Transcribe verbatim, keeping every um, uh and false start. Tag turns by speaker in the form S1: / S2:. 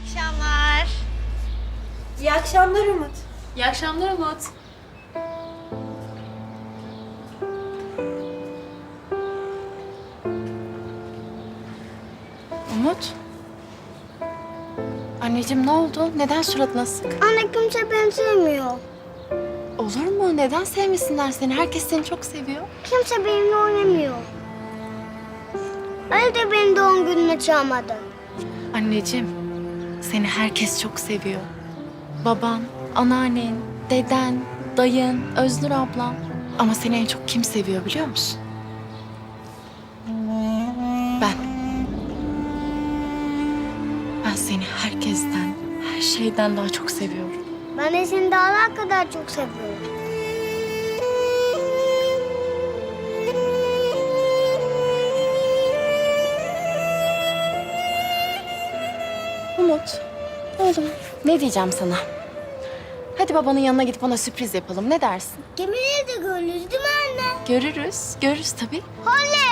S1: akşamlar.
S2: İyi akşamlar Umut.
S3: İyi akşamlar Umut.
S4: Umut. Anneciğim ne oldu? Neden suratın asık?
S2: Anne kimse beni sevmiyor.
S4: Olur mu? Neden sevmesinler seni? Herkes seni çok seviyor.
S2: Kimse benimle oynamıyor. Ali de beni doğum gününe çağırmadı.
S4: Anneciğim, seni herkes çok seviyor. Baban, anneannen, deden, dayın, Öznur ablam. Ama seni en çok kim seviyor biliyor musun? Ben. Ben seni herkesten, her şeyden daha çok seviyorum.
S2: Ben de seni dağlar kadar çok seviyorum.
S4: Umut, oğlum ne diyeceğim sana? Hadi babanın yanına gidip ona sürpriz yapalım. Ne dersin?
S2: Gemileri de görürüz değil mi anne?
S4: Görürüz, görürüz tabii.
S2: Oley!